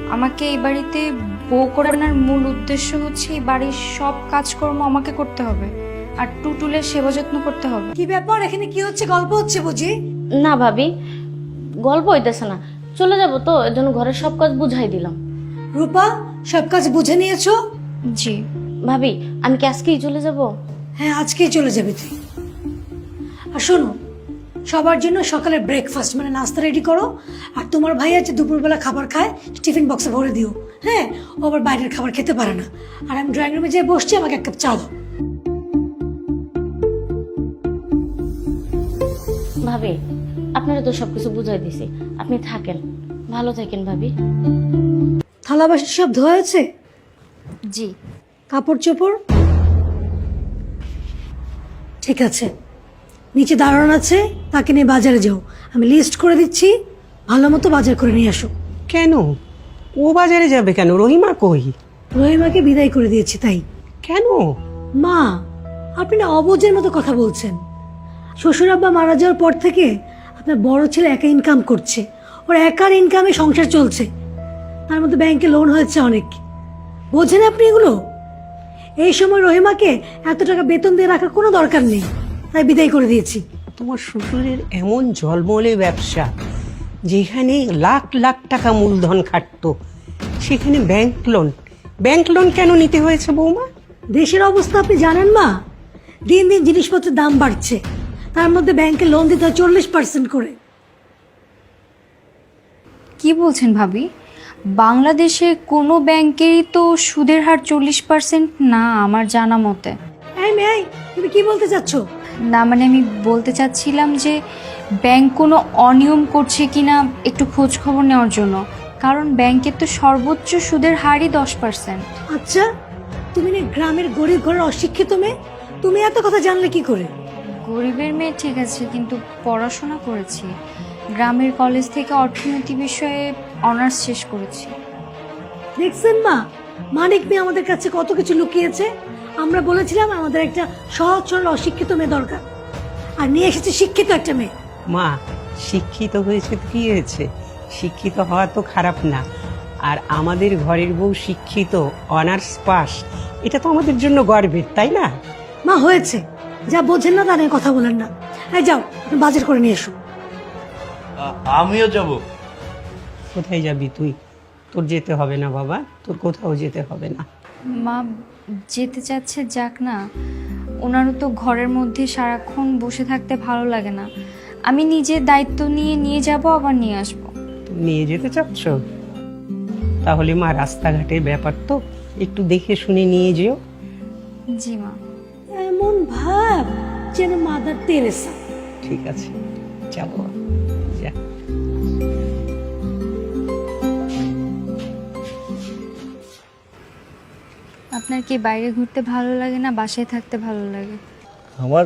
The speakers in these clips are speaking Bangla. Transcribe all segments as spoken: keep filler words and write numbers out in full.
আমাকে এই বাড়িতে বউ করে আনার মূল উদ্দেশ্য হচ্ছে এই বাড়ির সব কাজকর্ম আমাকে করতে হবে আর টুটুলের সেবা যত্ন করতে হবে। কি ব্যাপার, এখানে কি হচ্ছে? গল্প হচ্ছে বুঝি? না ভাবি, গল্প হইতেছে না, চলে যাব তো, এর জন্য ঘরের সব কাজ বুঝাই দিলাম। রূপা, সব কাজ বুঝে নিয়েছো? জি ভাবি, আমি কি আজকেই চলে যাব? হ্যাঁ, আজকেই চলে যাবে তুই। আর শোনো, সবার জন্য সকালে ব্রেকফাস্ট মানে নাস্তা রেডি করো। আর তোমার ভাই আছে দুপুরবেলা খাবার খায়, টিফিন বক্সে ভরে দিও। হ্যাঁ, ও আবার বাইরের খাবার খেতে পারে না। আর আমি ড্রয়িং রুমে যেয়ে বসছি, আমাকে এক কাপ চা দাও। ভাবি, আপনারা তো সবকিছু বুঝাই দিছি, আপনি থাকেন, ভালো থাকেন ভাবি। থালা বাসন সব ধোয়া হয়েছে? জি। কাপড় চোপড় ঠিক আছে, নিচে দাঁড়ানো আছে, তাকে নিয়ে বাজারে যাও। আমি লিস্ট করে দিচ্ছি, ভালো মতো বাজার করে নিয়ে আসো। কেন ও বাজারে যাবে কেন? রহিমা কই? রহিমাকে বিদায় করে দিয়েছি তাই। কেন? মা, আপনি না অবুঝের মতো কথা বলছেন। শ্বশুর আব্বা মারা যাওয়ার পর থেকে আপনার বড় ছেলে একা ইনকাম করছে, ওর একার ইনকামে সংসার চলছে, তার মধ্যে ব্যাংকে লোন হয়েছে অনেক। বোঝেন আপনি এগুলো? এই সময় রহিমাকে এত টাকা বেতন দিয়ে রাখার কোনো দরকার নেই, তাই বিদায় করে দিয়েছি। তোমার শ্বশুরের এমন জলমলে ব্যবসা, যেখানে লাখ লাখ টাকা মূলধন খাটতো, সেখানে ব্যাংক লোন। ব্যাংক লোন কেন নিতে হয়েছে বৌমা? দেশের অবস্থা আপনি জানেন মা, দিন দিন জিনিসপত্রের দাম বাড়ছে, তার মধ্যে ব্যাংকে লোন দিতে হয় চল্লিশ পার্সেন্ট করে। কি বলছেন ভাবি? বাংলাদেশে কোনো ব্যাংকেরই তো সুদের হার চল্লিশ পার্সেন্ট না আমার জানা মতে। এই মেয়ে, তুমি কি বলতে চাচ্ছ? না মানে আমি বলতে চাচ্ছিলাম যে ব্যাংক কোনো অনিয়ম করছে কিনা একটু খোঁজ খবর নেওয়ার জন্য, কারণ ব্যাংকের তো সর্বোচ্চ সুদের হারই দশ পার্সেন্ট। আচ্ছা, তুমি না গ্রামের গরিব ঘরের অশিক্ষিত মেয়ে, তুমি এত কথা জানলে কি করে? গরিবের মেয়ে ঠিক আছে, কিন্তু পড়াশোনা করেছি, গ্রামের কলেজ থেকে অর্থনীতি বিষয়ে অনার্স শেষ করেছি। দেখছেন মা, মানিক মেয়ে আমাদের কাছে কত কিছু লুকিয়েছে। আমরা বলেছিলাম আমাদের একটা সহজ সরল অশিক্ষিত মেয়ে দরকার, আর নিয়ে এসেছে শিক্ষিত একটা মেয়ে। মা, শিক্ষিত হয়েছে তো কি হয়েছে? শিক্ষিত হওয়া তো খারাপ না। আর আমাদের ঘরের বউ শিক্ষিত, অনার্স পাস, এটা তো আমাদের জন্য গর্বের, তাই না? মা হয়েছে, যা বোঝেন না তা নিয়ে কথা বলেন না। এই যাও, আপনি বাজার করে নিয়ে এসো। আমিও যাব। কোথায় যাবি তুই? তোর যেতে হবে না বাবা, তোর কোথাও যেতে হবে না। মা যেতে চাচ্ছে যাক না, ওনারও তো ঘরের মধ্যে সারাক্ষণ বসে থাকতে ভালো লাগে না। আমি নিজে দায়িত্ব নিয়ে নিয়ে যাব, আবার নিয়ে আসব। তুমি নিয়ে যেতে চাচ্ছ? তাহলে মা, রাস্তাঘাটের ব্যাপার তো একটু দেখে শুনে নিয়ে যেও। জি মা। এমন ভাব যেন মাদার তেরেসা। ঠিক আছে, যাবো, যা। আপনার কি বাইরে ঘুরতে ভালো লাগে না বাসায় থাকতে ভালো লাগে? আমার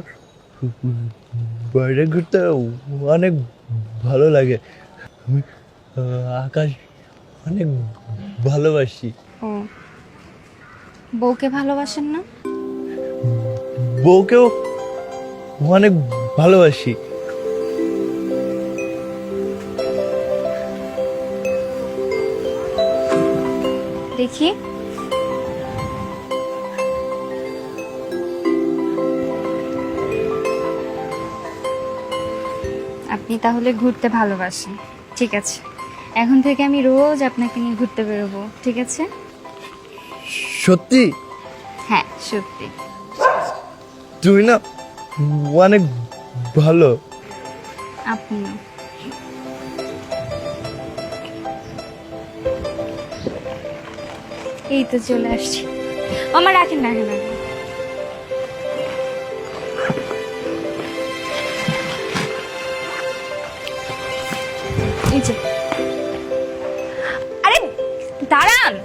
বাইরে ঘুরতে অনেক ভালো লাগে। আমি আকাশ অনেক ভালোবাসি। ও, বউকে ভালোবাসেন না? বউকেও অনেক ভালোবাসি। দেখি। আপনি তাহলে ঘুরতে ভালোবাসেন, ঠিক আছে। এখন থেকে আমি রোজ আপনাকে নিয়ে ঘুরতে বেরোবো, ঠিক আছে? সত্যি? হ্যাঁ সত্যি। তুমি না অনেক ভালো। আপনিও। এই তো চলে আসছি। আমার রাখেন রাখেন রাখেন। এই যে, আরে দাঁড়ান।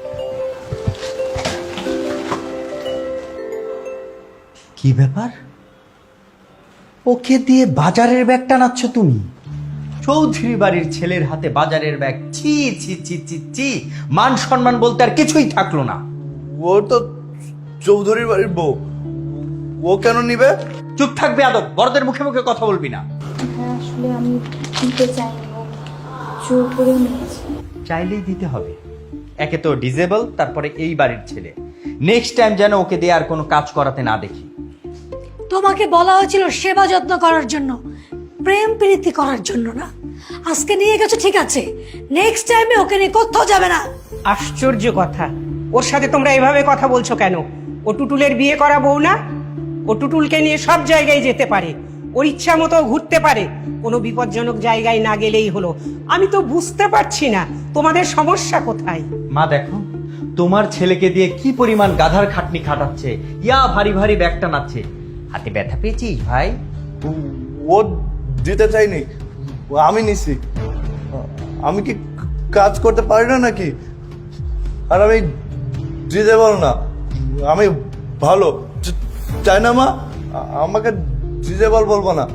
কি ব্যাপার? ওকে দিয়ে বাজারের ব্যাগ টানাচ্ছ তুমি? চৌধুরী বাড়ির ছেলের হাতে বাজারের ব্যাগ, ছি ছি ছি ছি ছি, মান সম্মান বলতে আর কিছুই থাকলো না। ও তো চৌধুরীর বাড়ির বউ, ও কেন নিবে? চুপ থাকবে আদব, বড়দের মুখে মুখে কথা বলবি না। আসলে আমি দিতে চাইনি, জোর করে নিয়েছি। চাইলেই দিতে হবে। একে তো ডিজেবল, তারপরে এই বাড়ির ছেলে। নেক্সট টাইম যেন ওকে দিয়ে আর কোনো কাজ করাতে না দেখি। তোমাকে বলা হয়েছিল সেবা যত্ন করার জন্য, প্রেম প্রীতি করার জন্য না। আজকে নিয়ে গেছো ঠিক আছে, নেক্সট টাইমে ওকে নিয়ে কোথাও যাবে না। আশ্চর্য কথা, ওর সাথে তোমরা এভাবে কথা বলছো কেন? ও টুটুলের বিয়ে করা বউ না? ও টুটুলকে নিয়ে সব জায়গায় যেতে পারে, ওর ইচ্ছা মতো ঘুরতে পারে, কোনো বিপজ্জনক জায়গায় না গেলেই হলো। আমি তো বুঝতে পারছি না তোমাদের সমস্যা কোথায়। মা দেখো, তোমার ছেলেকে দিয়ে কি পরিমাণ গাধার খাটনি খাটাচ্ছে, ইয়া ভারী ভারী ব্যাগ টানাচ্ছে। হাতে ব্যথা পেয়েছিস ভাই? ও- ও দিতে চাইনি, আমি নিছি। আমি কি কাজ করতে পারি না নাকি? আর আমি দিতে পারো না, আমি ভালো চ- চাই না মা, আ- আমাকে দিতে বল বলবো না।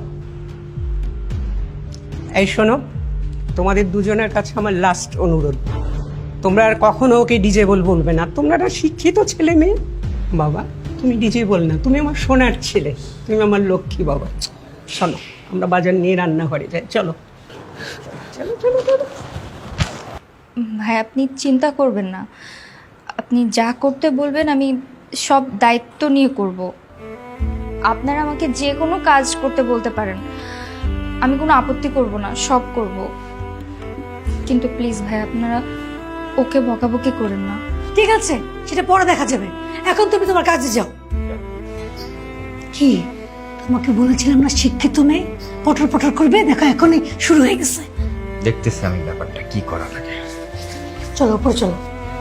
এই শোনো, তোমাদের দুজনের কাছে আমার লাস্ট অনুরোধ, তোমরা আর কখনো ওকে ডিজেবল বলবে না। তোমরা একটা শিক্ষিত ছেলে মেয়ে। বাবা তুমি ডিজেবল না, তুমি আমার সোনার ছেলে, তুমি আমার লক্ষ্মী বাবা। চলো আমরা বাজার নিয়ে রান্নাঘরে যাই, চলো চলো চলো চলো। ভাই আপনি চিন্তা করবেন না, আপনি যা করতে বলবেন আমি সব দায়িত্ব নিয়ে করব। আপনারা আমাকে যে কোনো কাজ করতে বলতে পারেন, আমি কোনো আপত্তি করব না, সব করব। কিন্তু প্লিজ ভাই আপনারা ওকে বকাবকি করেন না। ঠিক আছে, সেটা পরে দেখা যাবে, এখন তুমি তোমার কাজে যাও। কি তোমাকে বলেছিলাম না শিক্ষিত মেয়ে পটর পটর করবে, দেখো এখনই শুরু হয়ে গেছে। দেখতেছি আমি ব্যাপারটা কি করা লাগে। চলো উপরে চলো।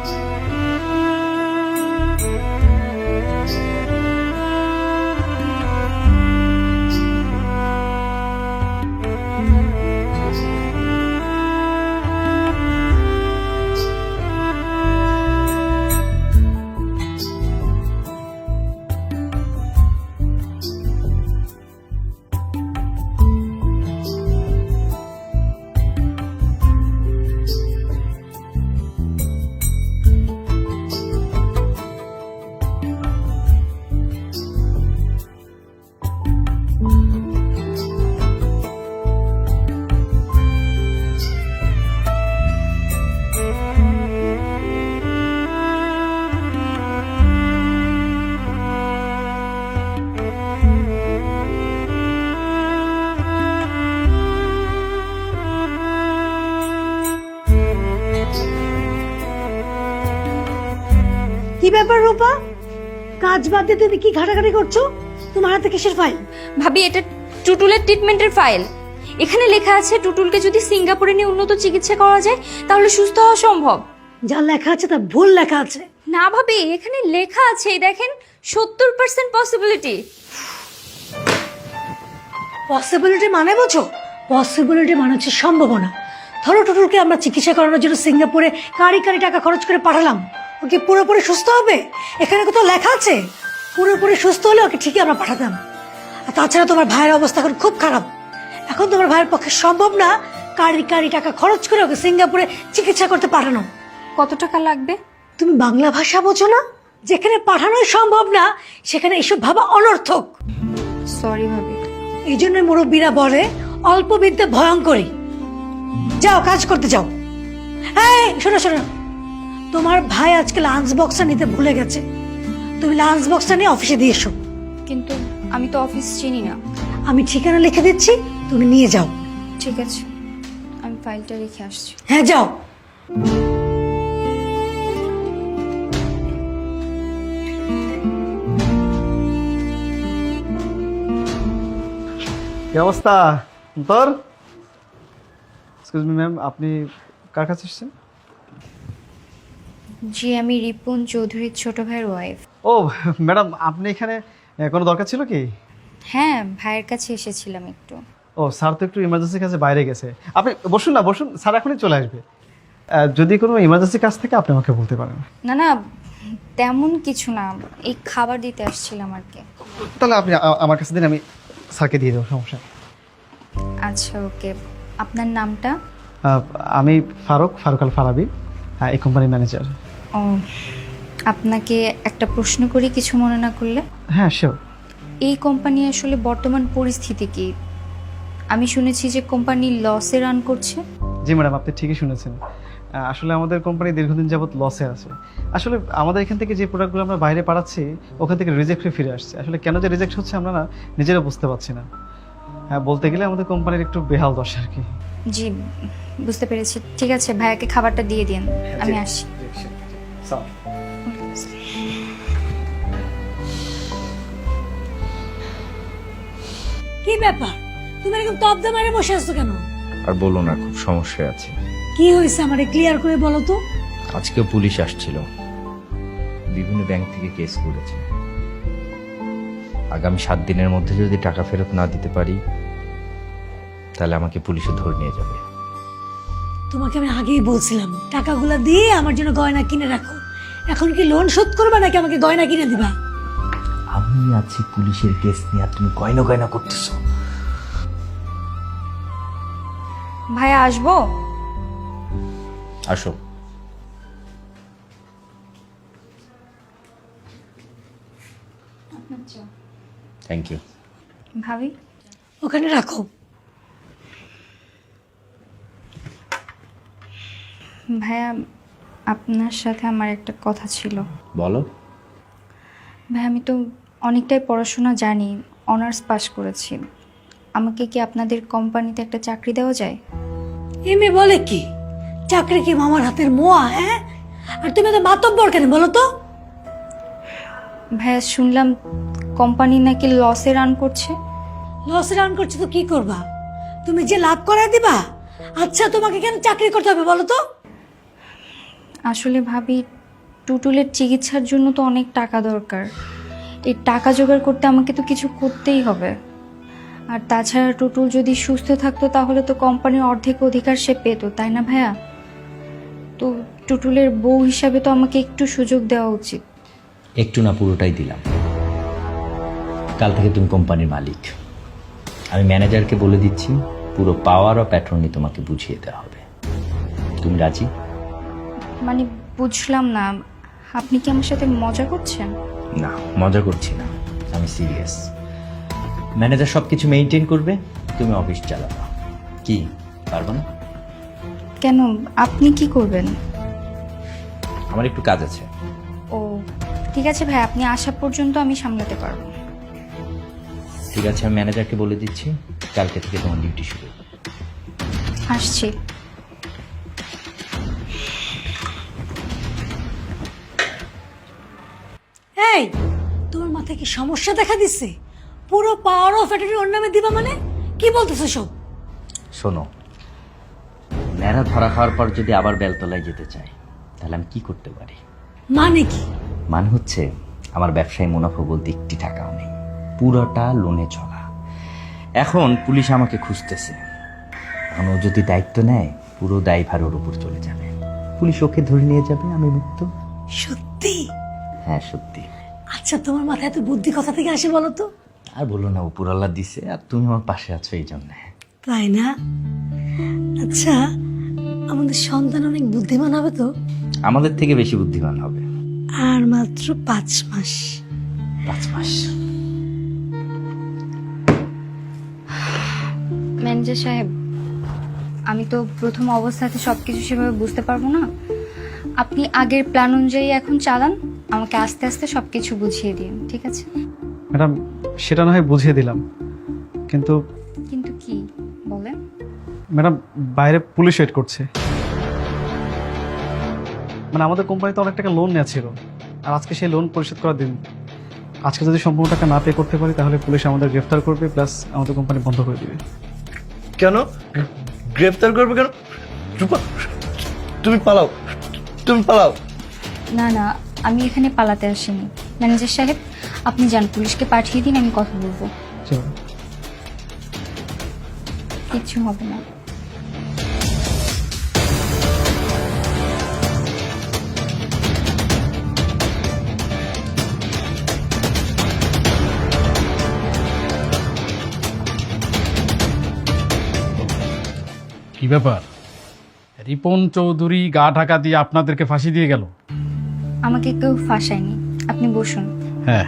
কি ব্যাপার রূপা, কাজ বাদ দিয়ে তুমি কি ঘাটাঘাটি করছো? তোমার হাতে কিসের ফাইল? ভাবি এটা টুটুলের ট্রিটমেন্টের ফাইল। এখানে লেখা আছে টুটুলকে যদি সিঙ্গাপুরে নিয়ে উন্নত চিকিৎসা করা যায় তাহলে সুস্থ হওয়া সম্ভব। যা লেখা আছে তা ভুল লেখা আছে। না ভাবি, এখানে লেখা আছে এই দেখেন সত্তর পার্সেন্ট পসিবিলিটি। পসিবিলিটি মানে বোঝো? পসিবিলিটি মানে হচ্ছে সম্ভাবনা। ধরো টুটুলকে আমরা চিকিৎসা করানোর জন্য সিঙ্গাপুরে কারি কারি টাকা খরচ করে পাঠালাম, ওকে পুরোপুরি সুস্থ হবে? এখানে কোথাও লেখা আছে পুরোপুরি সুস্থ হলে ওকে ঠিকই আমরা পাঠাতাম। আর তাছাড়া তোমার ভাইয়ের অবস্থা এখন খুব খারাপ, এখন তোমার ভাইয়ের পক্ষে সম্ভব না কারি কারি টাকা খরচ করে ওকে সিঙ্গাপুরে চিকিৎসা করতে পাঠানো। কত টাকা লাগবে? তুমি বাংলা ভাষা বোঝো না? যেখানে পাঠানোই সম্ভব না সেখানে এসব ভাবা অনর্থক। সরি ভাবি। এই জন্য মুরব্বীরা বলে অল্প বিদ্যে ভয়ঙ্করী। যাও কাজ করতে যাও। এই শোনো শোনো, তোমার ভাই আজকে লাঞ্চ বক্সটা নিতে ভুলে গেছে, তুমি লাঞ্চ বক্সটা নিয়ে অফিসে দিয়ে এসো। কিন্তু আমি তো অফিস চিনি না। আমি ঠিকানা লিখে দিচ্ছি, তুমি নিয়ে যাও। ঠিক আছে, আমি ফাইলটা রেখে আসছি। হ্যাঁ যাও। কি অবস্থা তোর? এক্সকিউজ মি ম্যাম, আপনি কার কাছে এসেছেন? জি আমি রিপন চৌধুরীর ছোট ভাইয়ের ওয়াইফ। ও ম্যাডাম, আপনি এখানে আহ, কোনো দরকার ছিল কি? হ্যাঁ ভাইয়ের কাছে এসেছিলাম একটু। ও স্যার তো একটু ইমার্জেন্সি কাজে বাইরে গেছে, আপনি বসুন না, বসুন, স্যার এখনই চলে আসবে। আহ, যদি কোনো ইমার্জেন্সি কাজ থাকে আপনি আমাকে বলতে পারেন। না না তেমন কিছু না, এই খাবার দিতে আসছিলাম আর কি। তাহলে আপনি আ- আমার কাছে দিন, আমি স্যারকে দিয়ে দেবো, সমস্যা নেই। আচ্ছা ওকে, আপনার নামটা? আহ, আমি ফারুক ফারুক আল ফারাবি, আহ, এই কোম্পানির ম্যানেজার। ও আপনাকে একটা প্রশ্ন করি কিছু মনে না করলে? হ্যাঁ শিওর। এই কোম্পানি আসলে বর্তমান পরিস্থিতি কি? আমি শুনেছি যে কোম্পানি লসে রান করছে। জি ম্যাডাম, আপনি ঠিকই শুনেছেন। আসলে আমাদের কোম্পানি দীর্ঘদিন যাবত লসে আছে। আসলে আমাদের এখান থেকে যে প্রোডাক্টগুলো আমরা বাইরে পাঠাচ্ছি ওখান থেকে রিজেক্ট হয়ে ফিরে আসছে। আসলে কেন যে রিজেক্ট হচ্ছে আমরা না নিজেরা বুঝতে পারছি না। হ্যাঁ, বলতে গেলে আমাদের কোম্পানির একটু বেহাল দশা আর কি। জি বুঝতে পেরেছি, ঠিক আছে ভাইয়াকে খাবারটা দিয়ে দিন, আমি আসি। কি ব্যাপার, তুমি এরকম তবদা মারে বসে আছো কেন? আর বলো না, খুব সমস্যায় আছি। কি হয়েছে আমারে ক্লিয়ার করে বলো তো। আজকেও পুলিশ আসছিল, বিভিন্ন ব্যাংক থেকে কেস করেছে। আগামী সাত দিনের মধ্যে যদি টাকা ফেরত না দিতে পারি তাহলে আমাকে পুলিশে ধরে নিয়ে যাবে। তোমাকে আমি আগেই বলছিলাম টাকাগুলো দিয়ে আমার জন্য গয়না কিনে রাখো। এখন কি লোন শোধ করবে নাকি আমাকে গয়না কিনে দিবা? আমি আছি পুলিশের কেস নিয়ে, আর তুমি গয়না গয়না করতেছো। ভাইয়া আসবো? আসো। Thank you. ভাবি ওখানে রাখো। ভাইয়া আপনার সাথে আমার একটা কথা ছিল। বলো। ভাই আমি তো অনেকটাই পড়াশোনা জানি, অনার্স পাস করেছি। আমাকে কি আপনাদের কোম্পানিতে একটা চাকরি দেওয়া যায়? এমএ বলে কি? চাকরি কি মামার হাতের মোয়া? হ্যাঁ, আর তুমি তো মাতব্বর কেন বলো তো? ভাইয়া শুনলাম কোম্পানি নাকি লসে রান করছে। লস রান করছে তো কি করবা? তুমি যে লাভ করে দিবা। আচ্ছা তোমাকে কেন চাকরি করতে হবে বলো তো? আসলে ভাবি টুটুলের চিকিৎসার জন্য তো অনেক টাকা দরকার। এই টাকা জোগাড় করতে আমাকে তো কিছু করতেই হবে। আর তাছাড়া টুটুল যদি সুস্থ থাকতো তাহলে তো কোম্পানির অর্ধেক অধিকার সে পেতো, তাই না ভাইয়া? তো টুটুলের বউ হিসাবে তো আমাকে একটু সুযোগ দেওয়া উচিত। একটু না, পুরোটাই দিলাম। কাল থেকে তুমি কোম্পানির মালিক। আমি ম্যানেজারকে বলে দিচ্ছি পুরো পাওয়ার অফ অ্যাটর্নি তোমাকে বুঝিয়ে দেওয়া হবে। তুমি রাজি? মানে বুঝলাম না, আপনি কি আমার সাথে মজা করছেন? না, মজা করছি না, আমি সিরিয়াস। ম্যানেজার সব কিছু মেনটেন করবে, তুমি অফিস চালাবা। কি পারবো না? কেন, আপনি কি করবেন? আমার একটু কাজ আছে। ও ঠিক আছে ভাই, আপনি আসা পর্যন্ত আমি সামলাতে পারবো। ঠিক আছে, আমি ম্যানেজারকে বলে দিচ্ছি কালকে থেকে তোমার ডিউটি শুরু। আসছি। এই তোমার মাথায় কি সমস্যা দেখা দিচ্ছে? পুরো পাওয়ার অফ অ্যাটর্নি ওর নামে দিবা মানে কি বলতেছো সব? শোনো, ন্যাড়া ধরা খাওয়ার পর যদি আবার বেলতলায় যেতে চাই তাহলে আমি কি করতে পারি? মানে কি? মানে হচ্ছে আমার ব্যবসায় মুনাফা বলতে একটি টাকাও নেই, পুরোটা লোনে চলা। এখন পুলিশ আমাকে খুঁজতেছে, এখন ও যদি দায়িত্ব নেয় পুরো দায়ভার ওর উপর চলে যাবে। পুলিশ ওকে ধরে নিয়ে যাবে, আমি মুক্ত। সত্যি? হ্যাঁ সত্যি। আচ্ছা তোমার মাথায় এত বুদ্ধি কোথা থেকে আসে বলো তো? আর বলো না, উপর আল্লাহ দিছে, আর তুমি আমার পাশে আছো এই জন্য। তাই না? আচ্ছা আমাদের সন্তান অনেক বুদ্ধিমান হবে তো? আমাদের থেকে বেশি বুদ্ধিমান হবে। আর মাত্র পাঁচ মাস। পাঁচ মাস? ম্যানেজার সাহেব, আমি তো প্রথম অবস্থাতে সব কিছু সেভাবে বুঝতে পারবো না। আপনি আগের প্ল্যান অনুযায়ী এখন চালান, আমাকে আস্তে আস্তে সব কিছু বুঝিয়ে দিন, ঠিক আছে? ম্যাডাম সেটা না হয় বুঝিয়ে দিলাম, কিন্তু কিন্তু কি বলেন? ম্যাডাম বাইরে পুলিশ ওয়েট করছে। মানে আমাদের কোম্পানিতে অনেক টাকা লোন নেওয়া ছিল, আর আজকে সেই লোন পরিশোধ করার দিন। আজকে যদি সম্পূর্ণ টাকা না পে করতে পারি তাহলে পুলিশ আমাদের গ্রেফতার করবে, প্লাস আমাদের কোম্পানি বন্ধ করে দিবে। কেন গ্রেফতার করবে কেন? রূপা, তুমি পালাও, তুমি পালাও। না না, আমি এখানে পালাতে আসিনি। ম্যানেজার সাহেব আপনি যান, পুলিশকে পাঠিয়ে দিন, আমি কথা বলবো। চলো। কিচ্ছু হবে না। কি ব্যাপার? রিপন চৌধুরী গা ঢাকা দিয়ে আপনাদেরকে ফাঁসি দিয়ে গেল? আমাকে কেউ ফাঁসায়নি, আপনি বসুন। হ্যাঁ,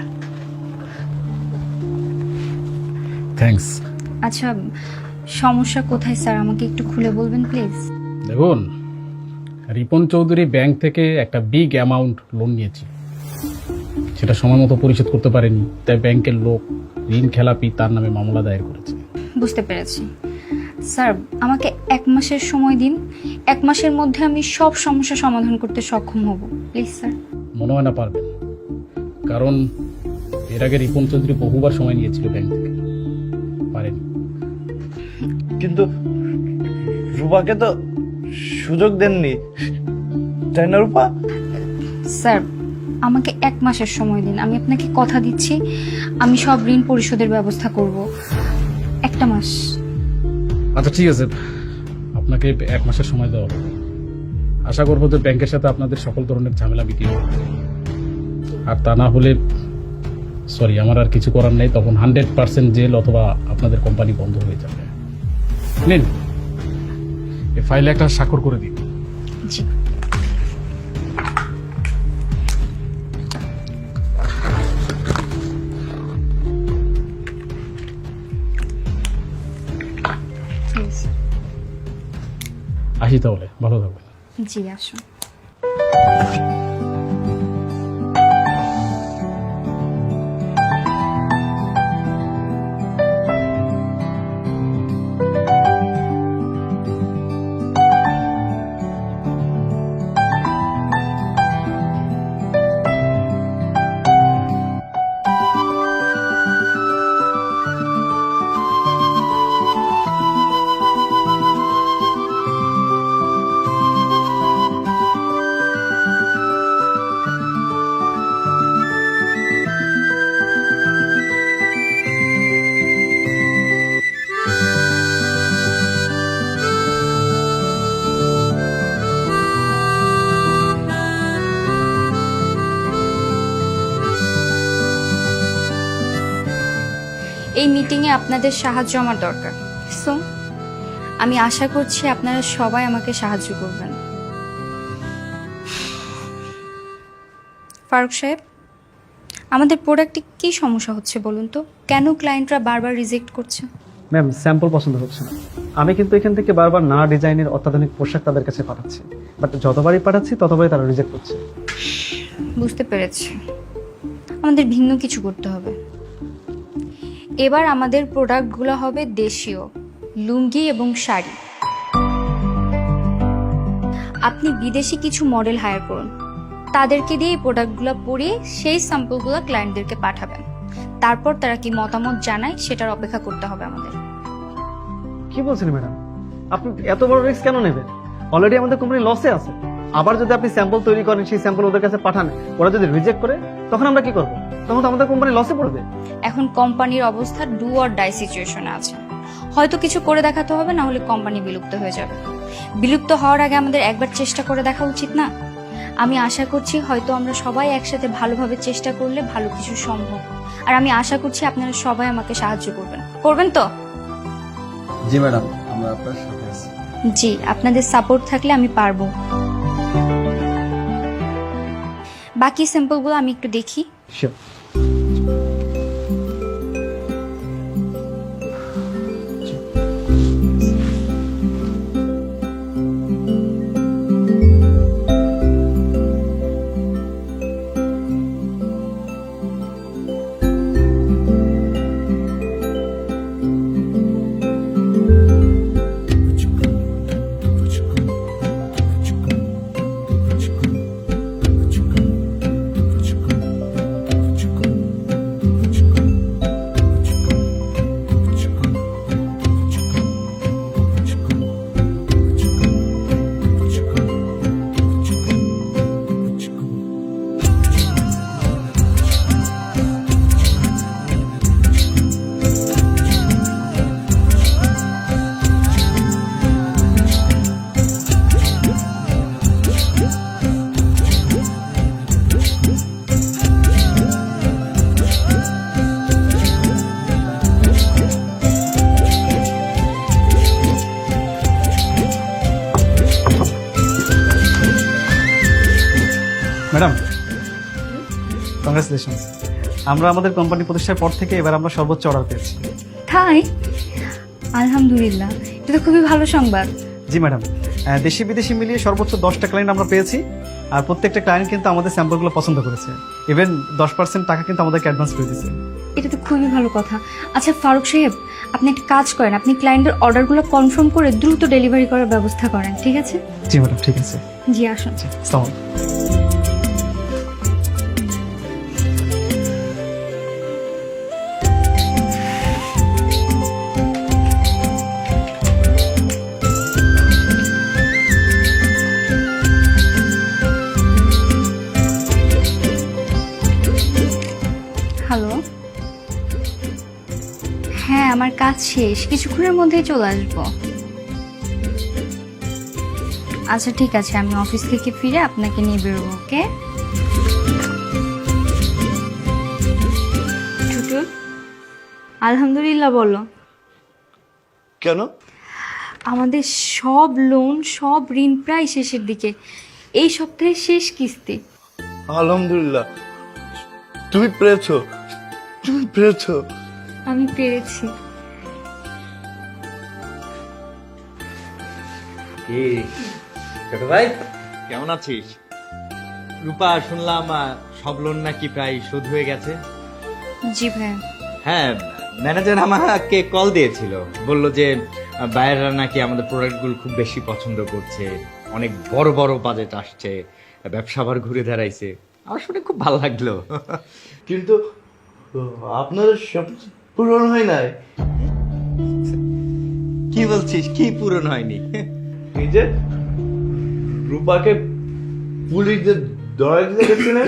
থ্যাঙ্কস। আচ্ছা সমস্যা কোথায় স্যার, আমাকে একটু খুলে বলবেন প্লিজ? দেখুন, রিপন চৌধুরী ব্যাংক থেকে একটা বিগ অ্যামাউন্ট লোন নিয়েছে, সেটা সময় মতো পরিশোধ করতে পারেনি, তাই ব্যাংকের লোক ঋণ খেলাপি তার নামে মামলা দায়ের করেছে। বুঝতে পেরেছি স্যার, আমাকে এক মাসের সময় দিন। এক মাসের মধ্যে আমি সব সমস্যা সমাধান করতে সক্ষম হব, প্লিজ স্যার। মনে হয় না পারবেন, কারণ এর আগে রিপন চৌধুরী বহুবার সময় নিয়েছিল ব্যাংক থেকে, পারেনি। কিন্তু রূপাকে তো সুযোগ দেননি, তাই না রূপা? স্যার, আমাকে এক মাসের সময় দিন, আমি আপনাকে কথা দিচ্ছি আমি সব ঋণ পরিশোধের ব্যবস্থা করব। একটা মাস। আচ্ছা ঠিক আছে, আপনাকে এক মাসের সময় দেওয়া হবে। আশা করবো যে ব্যাংকের সাথে আপনাদের সকল ধরনের ঝামেলা মিটিয়ে দেবে। আর তা না হলে সরি, আমার আর কিছু করার নেই, তখন হান্ড্রেড পার্সেন্ট জেল অথবা আপনাদের কোম্পানি বন্ধ হয়ে যাবে। নিন, এই ফাইলে একটা স্বাক্ষর করে দিন। জি। আসি তাহলে, ভালো থাকবেন। জি আসুন। এই মিটিংয়ে আপনাদের সাহায্য আমার দরকার, সো আমি আশা করছি আপনারা সবাই আমাকে সাহায্য করবেন। ফারুক সাহেব, আমাদের প্রোডাক্টে কি সমস্যা হচ্ছে বলুন তো? কেন ক্লায়েন্টরা বারবার রিজেক্ট করছে? ম্যাম, স্যাম্পল পছন্দ হচ্ছে না। আমি কিন্তু এখান থেকে বারবার না ডিজাইনের অত্যাধুনিক পোশাক তাদের কাছে পাঠাচ্ছি, বাট যতবারই পাঠাচ্ছি ততবারই তারা রিজেক্ট করছে। বুঝতে পেরেছি, আমাদের ভিন্ন কিছু করতে হবে। এবার আমাদের প্রোডাক্টগুলো হবে দেশীয়, লুঙ্গি এবং শাড়ি। আপনি বিদেশি কিছু মডেল হায়ার করুন, তাদেরকে দিয়ে এই প্রোডাক্টগুলো পরিয়ে সেই স্যাম্পলগুলো ক্লায়েন্টদেরকে পাঠাবেন। তারপর তারা কি মতামত জানায় সেটার অপেক্ষা করতে হবে আমাদের। কি বলছেন ম্যাডাম, আপনি এত বড় রিস্ক কেন নেবেন? অলরেডি আমাদের কোম্পানি লসে আছে। আবার যদি আপনি স্যাম্পল তৈরি করেন, সেই স্যাম্পল ওদের কাছে পাঠান, ওরা যদি রিজেক্ট করে, তখন আমরা কি করব? তখন তো আমাদের কোম্পানি লসে পড়বে। এখন কোম্পানির অবস্থা ডু অর ডাই সিচুয়েশনে আছে। হয়তো কিছু করে দেখাতে হবে, না হলে কোম্পানি বিলুপ্ত হয়ে যাবে। বিলুপ্ত হওয়ার আগে আমাদের একবার চেষ্টা করে দেখা উচিত না? আমি আশা করছি হয়তো আমরা সবাই একসাথে ভালোভাবে চেষ্টা করলে ভালো কিছু সম্ভব। আর আমি আশা করছি আপনারা সবাই আমাকে সাহায্য করবেন। করবেন তো? জি ম্যাডাম, আমরা আপনার সাথে আছি। জি, আপনাদের সাপোর্ট থাকলে আমি পারবো। বাকি স্যাম্পলগুলো আমি একটু দেখি। শিওর। Madam, congratulations. আমরা আমাদের কোম্পানি প্রতিষ্ঠার পর থেকে এবার আমরা সর্বোচ্চ অর্ডার পেয়েছি। তাই? আলহামদুলিল্লাহ, এটা তো খুবই ভালো সংবাদ। জি ম্যাডাম, আহ, দেশি বিদেশি মিলিয়ে সর্বোচ্চ দশটা ক্লায়েন্ট আমরা পেয়েছি, আর প্রত্যেকটা ক্লায়েন্ট কিন্তু আমাদের স্যাম্পলগুলো পছন্দ করেছে। ইভেন দশ পার্সেন্ট টাকা কিন্তু আমাদেরকে অ্যাডভান্স করে দিয়েছে। এটা তো খুবই ভালো কথা। আচ্ছা ফারুক সাহেব, আপনি একটা কাজ করেন, আপনি ক্লায়েন্টের অর্ডারগুলো কনফার্ম করে দ্রুত ডেলিভারি করার ব্যবস্থা করেন, ঠিক আছে? জি ম্যাডাম, ঠিক আছে। জি আসুন। আসসালামু আলাইকুম। হ্যালো, হ্যাঁ আমার কাজ শেষ, কিছুক্ষণের মধ্যেই চলে আসবো। আচ্ছা ঠিক আছে, আমি অফিস থেকে ফিরে আপনাকে নিয়ে বেরোবো। ওকে টুটুল, আলহামদুলিল্লাহ বলো। কেন? আমাদের সব লোন, সব ঋণ প্রায় শেষের দিকে, এই সপ্তাহের শেষ কিস্তি। আলহামদুলিল্লাহ, তুমি পেরেছো, তুমি পেরেছো। আমি পেরেছি। কি ছোট ভাই, কেমন আছিস? রূপা, শুনলাম আহ, সব লোন নাকি প্রায় শোধ হয়ে গেছে। জি ভাইয়া। হ্যাঁ, ম্যানেজার আমাকে কল দিয়েছিল, বলল যে বাইরেরা নাকি আমাদের প্রোডাক্টগুলো খুব বেশি পছন্দ করছে, অনেক বড় বড় বাজেট আসছে, ব্যবসা আবার ঘুরে দাঁড়াইছে। আমার শুনে খুব ভালো লাগলো। কিন্তু আপনাদের সব পূরণ হয় নাই। কি বলছিস? কি পূরণ হয়নি? এই যে রূপাকে পুলিশ যে ধরে দিতে গেছিলেন।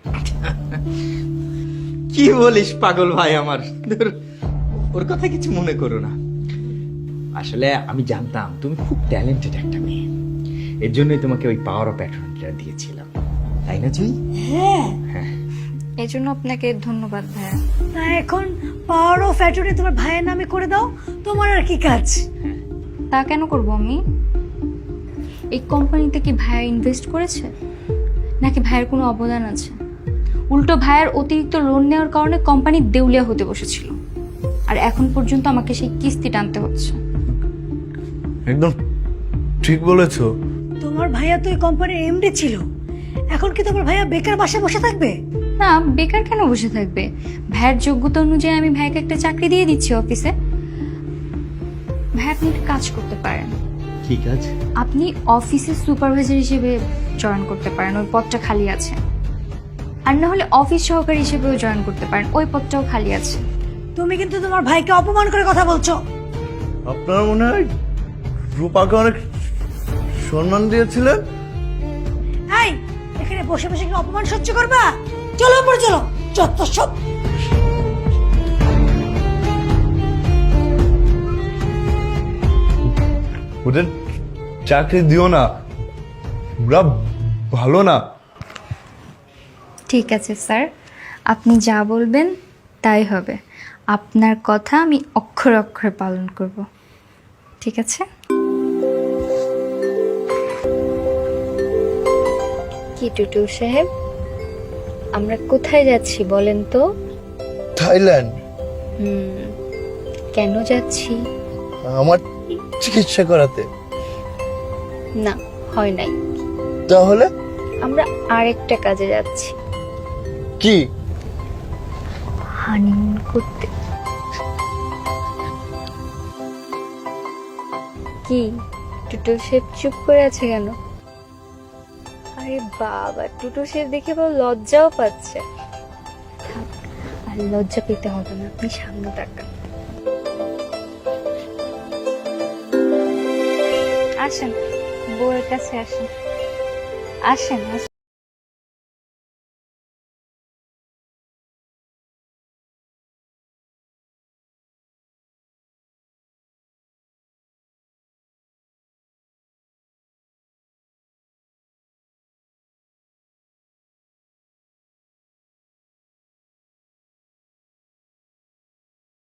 কি বলিস পাগল ভাই আমার, ধুর, ওর কথা কিছু মনে করো না। আসলে আমি জানতাম তুমি খুব ট্যালেন্টেড একটা মেয়ে, এর জন্যই তোমাকে ওই পাওয়ার অফ অ্যাটর্নিটা দিয়েছিলাম, তাই না জুই? হ্যাঁ, হ্যাঁ। এই জন্য আপনাকে ধন্যবাদ ভাইয়া। তা এখন পাওয়ার অফ অ্যাটর্নি তোমার ভাইয়ের নামে করে দাও, তোমার আর কি কাজ? তা কেন করব আমি? এই কোম্পানিতে কি ভাইয়া ইনভেস্ট করেছে, নাকি ভাইয়ের কোনো অবদান আছে? উল্টো ভাইয়ের অতিরিক্ত লোন নেওয়ার কারণে কোম্পানি দেউলিয়া হতে বসেছিল, আর এখন পর্যন্ত আমাকে সেই কিস্তি টানতে হচ্ছে। একদম ঠিক বলেছো। তোমার ভাইয়া তো এই কোম্পানির এমডি ছিল, এখন কি তোমার ভাইয়া বেকার বাসায় বসে থাকবে? না, বেকার কেন বসে থাকবে? ভাইয়ের যোগ্যতা অনুযায়ী আমি ভাইকে একটা চাকরি দিয়ে দিচ্ছি অফিসে। ভাই আপনি একটা কাজ করতে পারেন, কি কাজ? আপনি অফিসের সুপারভাইজার হিসেবে জয়েন করতে পারেন, ওই পদটা খালি আছে। আর না হলে অফিস সহকারী হিসেবেও জয়েন করতে পারেন, ওই পদটাও খালি আছে। তুমি কিন্তু তোমার ভাইকে অপমান করে কথা বলছো। আপনার মনে হয় রূপাকে অনেক সম্মান দিয়েছিলেন। এই, এখানে বসে বসে কি অপমান সহ্য করবা? চলো উপরে চলো, যত সব। ওদের চাকরি দিও না, ওরা ভালো না। ঠিক আছে স্যার, আপনি যা বলবেন তাই হবে। আপনার কথা আমি অক্ষরে অক্ষরে পালন করব, ঠিক আছে? কি টুটুল সাহেব, আমরা কোথায় যাচ্ছি বলেন তো? থাইল্যান্ড। হুম, কেন যাচ্ছি? আমার চিকিৎসা করাতে। না, হয় নাই। তাহলে আমরা আরেকটা কাজে যাচ্ছি, কি? হানিমুন করতে। কি টুটুল শেফ চুপ করে আছে কেন? আরে বাবা, টুটুল শেফ দেখে বড় লজ্জাও পাচ্ছে। থাক, আর লজ্জা পেতে হবে না, আপনি সামনে তাকান। আসেন, বউয়ের কাছে আসেন, আসেন আসেন।